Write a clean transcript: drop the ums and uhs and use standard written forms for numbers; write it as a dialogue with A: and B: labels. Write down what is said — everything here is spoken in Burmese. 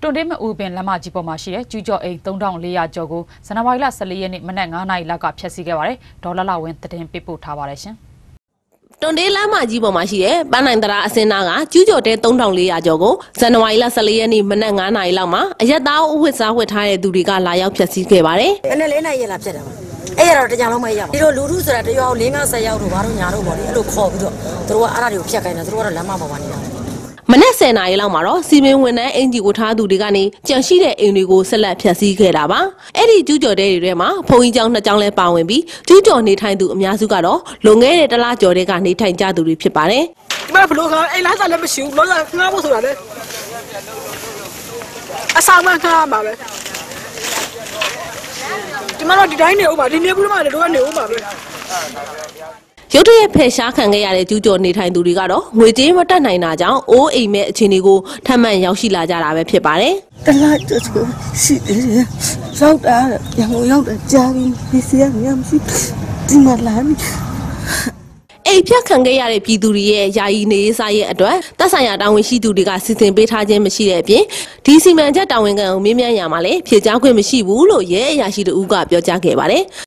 A: တွန်တေးမအူပင်လမ်းမကြီးပေါ်မှာရှိတဲ့ကျူးကျော်အိမ်3400ကျော်ကိုဇန်နဝါရီလ14ရက်နေ့မနက်9:00နာရီလောက်ကဖျက်ဆီးခဲ့ပါတယ်။ဒေါ်လာဝင်းသတင်းပေးပို့ထားပါတယ်ရှင်
B: ။တွန်တေးလမ်းမကြီးပေါ်မှာရှိတဲ့ပန်းနိုင်တရာအစင်းနာကကျူးကျော်တဲ3400ကျော်ကိုဇန်နဝါရီလ14ရက်နေ့မနက်9:00နာရီလောက်မှာအရက်သားအဝတ်စားဝတ်ထားတဲ့သူတွေကလာရောက်ဖျက်ဆီးခဲ့ပါတယ်
C: ။အဲ့နဲ့4နာရီလာဖျက်တာပါ။အဲ့ရတော့တကြံလုံးမရပါဘူး။ဒီလိုလူထုဆိုတာတရွာကို5-10ရောက်တို့ဘာလို့ညာတို့ပေါ့လေအဲ့လိုခေါ်ပြီးတော့သူတို့ကအဲ့ဒါတွေကိုဖျက်ခိုင်းတယ်သူတို့ကတော့လမ်းမပေါ်မှာနေတာ
B: မနက်10:00နာရီလောက်မှာတော့စီမင်းဝန်ထမ်းအင်ဂျီကိုထားသူတွေကနေကြံရှိတဲ့အိမ်တွေကိုဆက်လက်ဖျက်ဆီးခဲ့တာပါအဲ့ဒီကျူးကျော်တဲတွေထဲမှာဖုန်ကြီးကျောင်း2ကျောင်းလဲပါဝင်ပြီးကျူးကျော်နေထိုင်သူအများစုကတော့လွန်ခဲ့တဲ့တလကျော်တဲကနေထိုင်ကြသူတွေဖြစ်ပါတယ်
D: ဒီမှာဘလို့ကအိမ်လားစားလည်းမရှိဘူးလောကငားဖို့ဆိုတာလေအဆောင်မှခါမှာပဲဒီမှာတော့ဒီတိုင်းနေဦးပါဒီနေဘူးမှလည်းတို့ကနေဦးပါပဲ
B: ရုတ်တရက်ဖယ်ရှားခံခဲ့ရတဲ့ကျူးကျော်နေထိုင်သူတွေကတော့ငွေကြေးမတက်နိုင်တာကြောင့်အိုးအိမ်မဲ့အခြေအနေကိုထပ်မံရောက်ရှိလာကြတာပဲဖြစ်ပါတယ်
E: ။တလားကျဆိုရှိတယ်။ရောက်တာရန်ကုန်ရောက်တာကြားပြီးဒီစီကမရှိဒီမှာလာပြီ
B: အိမ်ဖြတ်ခံခဲ့ရတဲ့ပြည်သူတွေရဲ့ယာယီနေရေးစားရဲ့အတွက်သက်ဆိုင်ရာတာဝန်ရှိသူတွေကစီစဉ်ပေးထားခြင်းမရှိတဲ့အပြင်ဒီစီမံချက်တာဝန်ခံကိုမေးမြန်းရမှာလည်းဖြေကြားခွင့်မရှိဘူးလို့ရဲအရာရှိတို့ကပြောကြားခဲ့ပါတယ်